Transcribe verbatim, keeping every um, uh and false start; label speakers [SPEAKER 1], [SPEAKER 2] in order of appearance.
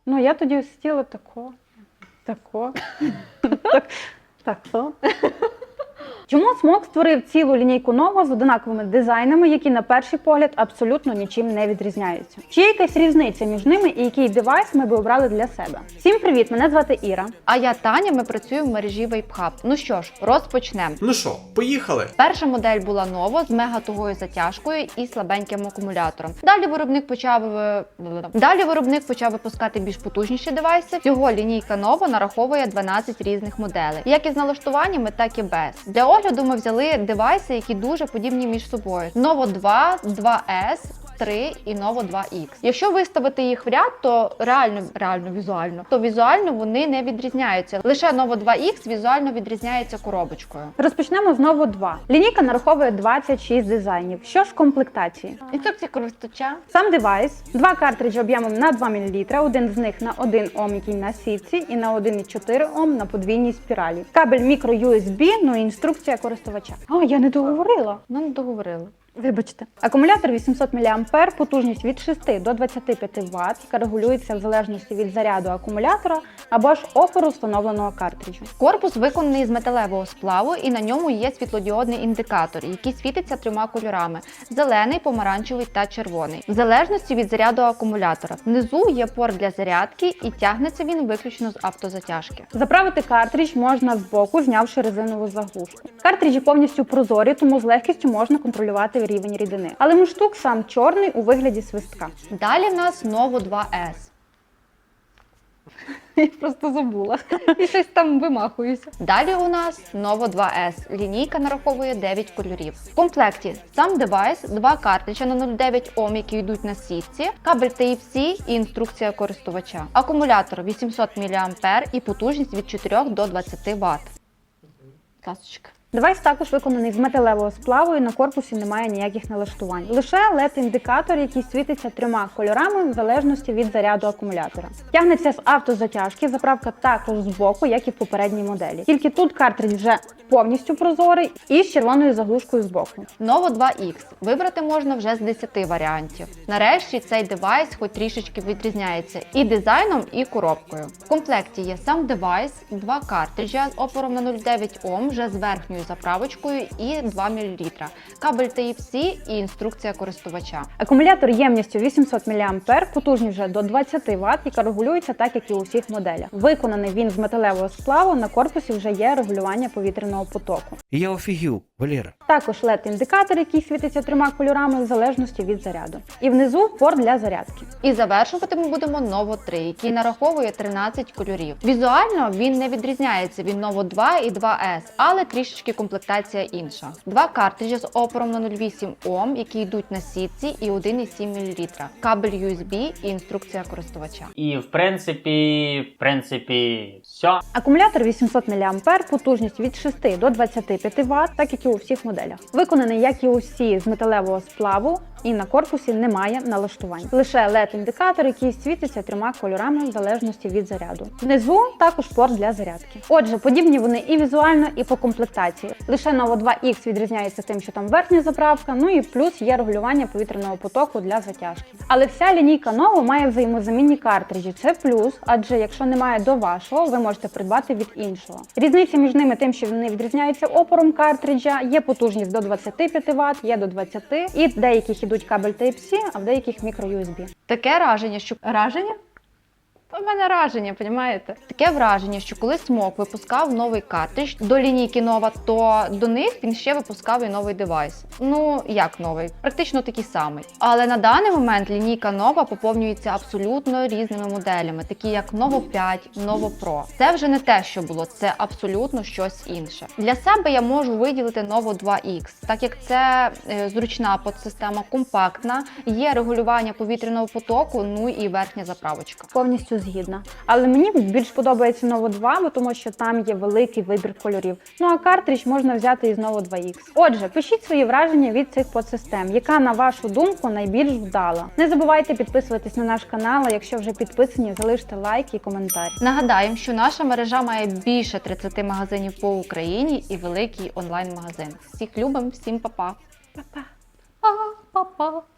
[SPEAKER 1] Ну, я тоді сиділа тако, тако, так, тако. Чому Смок створив цілу лінійку Novo з однаковими дизайнами, які на перший погляд абсолютно нічим не відрізняються? Чи є якась різниця між ними і який девайс ми би обрали для себе? Всім привіт, мене звати Іра.
[SPEAKER 2] А я Таня, ми працюємо в мережі Вейпхаб. Ну що ж, розпочнемо.
[SPEAKER 3] Ну що, поїхали?
[SPEAKER 2] Перша модель була Novo з мегатугою затяжкою і слабеньким акумулятором. Далі виробник почав е, Далі виробник почав випускати більш потужніші девайси. Всього лінійка Novo нараховує дванадцять різних моделей, як із налаштуваннями, так і без. Для огляду ми взяли девайси, які дуже подібні між собою. Novo два, два ес, три і Novo два ікс. Якщо виставити їх в ряд, то реально, реально візуально, то візуально вони не відрізняються. Лише Novo два ікс візуально відрізняється коробочкою.
[SPEAKER 1] Розпочнемо з Novo два. Лінійка нараховує двадцять шість дизайнів. Що ж в комплектації?
[SPEAKER 2] Інструкція користувача.
[SPEAKER 1] Сам девайс, два картриджі об'ємом на два мілілітри, один з них на один ом, який на сітці, і на один і чотири ом на подвійній спіралі. Кабель мікро ю ес бі, ну і інструкція користувача. О, я не договорила.
[SPEAKER 2] Ну, не договорили.
[SPEAKER 1] Вибачте. Акумулятор вісімсот міліампер, потужність від шести до двадцяти п'яти ватт, яка регулюється в залежності від заряду акумулятора або ж опору встановленого картриджу.
[SPEAKER 2] Корпус виконаний з металевого сплаву і на ньому є світлодіодний індикатор, який світиться трьома кольорами – зелений, помаранчевий та червоний, в залежності від заряду акумулятора. Внизу є порт для зарядки і тягнеться він виключно з автозатяжки.
[SPEAKER 1] Заправити картридж можна збоку, знявши резинову заглушку. Картриджі повністю прозорі, тому з легкістю можна контролювати рівень рідини. Але мундштук сам чорний у вигляді свистка.
[SPEAKER 2] Далі в нас Novo два ес.
[SPEAKER 1] Я просто забула.
[SPEAKER 2] І щось там вимахуюся. Далі у нас Novo два ес. Лінійка нараховує дев'ять кольорів. В комплекті сам девайс, два картриджа на нуль цілих дев'ять ом, які йдуть на сітці, кабель Type-C і інструкція користувача. Акумулятор вісімсот міліампер і потужність від чотирьох до двадцяти ватт. Ласочка.
[SPEAKER 1] Девайс також виконаний з металевого сплаву і на корпусі немає ніяких налаштувань. Лише ел і ді-індикатор, який світиться трьома кольорами в залежності від заряду акумулятора. Тягнеться з автозатяжки, заправка також з боку, як і в попередній моделі. Тільки тут картридж вже повністю прозорий і з червоною заглушкою з боку.
[SPEAKER 2] Novo два ікс. Вибрати можна вже з десяти варіантів. Нарешті цей девайс хоч трішечки відрізняється і дизайном, і коробкою. В комплекті є сам девайс, два картриджа з опором на нуль цілих дев'ять ом вже з верхньою заправочкою і два мілілітри, кабель Type-C і інструкція користувача.
[SPEAKER 1] Акумулятор ємністю вісімсот міліампер, потужність вже до двадцяти ватт, яка регулюється так, як і у всіх моделях. Виконаний він з металевого сплаву, на корпусі вже є регулювання повітряного потоку.
[SPEAKER 3] Я офігів, Валера.
[SPEAKER 1] Також ел і ді-індикатор, який світиться трьома кольорами в залежності від заряду. І внизу порт для зарядки.
[SPEAKER 2] І завершувати ми будемо Novo три, який нараховує тринадцять кольорів. Візуально він не відрізняється від Novo два і два ес, але трішечки комплектація інша. Два картриджі з опором на нуль цілих вісім ом, які йдуть на сітці, і один і сім мілілітри, кабель ю ес бі і інструкція користувача.
[SPEAKER 4] І в принципі, в принципі, все.
[SPEAKER 1] Акумулятор вісімсот міліампер, потужність від шести до двадцяти п'яти ватт, так як і у всіх моделях. Виконаний, як і усі, з металевого сплаву, і на корпусі немає налаштувань. Лише ел і ді-індикатор, який світиться трьома кольорами в залежності від заряду. Внизу також порт для зарядки. Отже, подібні вони і візуально, і по комплектації. Лише Novo два ікс відрізняється тим, що там верхня заправка, ну і плюс є регулювання повітряного потоку для затяжки. Але вся лінійка Novo має взаємозамінні картриджі. Це плюс, адже якщо немає до вашого, ви можете придбати від іншого. Різниця між ними тим, що вони відрізняються опором картриджа, є потужність до двадцяти п'яти ватт, є до двадцяти, і в деяких ідуть кабель Type-C, а в деяких мікро ю ес бі.
[SPEAKER 2] Таке враження, що... Раження? У мене враження, розумієте? Таке враження, що коли Смок випускав новий картридж до лінійки Nova, то до них він ще випускав і новий девайс. Ну, як новий? Практично такий самий. Але на даний момент лінійка Nova поповнюється абсолютно різними моделями, такі як Novo п'ять, Novo Pro. Це вже не те, що було, це абсолютно щось інше. Для себе я можу виділити Novo два ікс, так як це е, зручна подсистема, компактна, є регулювання повітряного потоку, ну і верхня заправочка.
[SPEAKER 1] Повністю згідна. Але мені більш подобається Novo два, бо тому що там є великий вибір кольорів. Ну а картридж можна взяти із Novo два ікс. Отже, пишіть свої враження від цих подсистем, яка, на вашу думку, найбільш вдала. Не забувайте підписуватись на наш канал, а якщо вже підписані, залиште лайк і коментар.
[SPEAKER 2] Нагадаємо, що наша мережа має більше тридцяти магазинів по Україні і великий онлайн-магазин. Всіх любимо, всім па-па!
[SPEAKER 1] Па-па!
[SPEAKER 2] Па-па!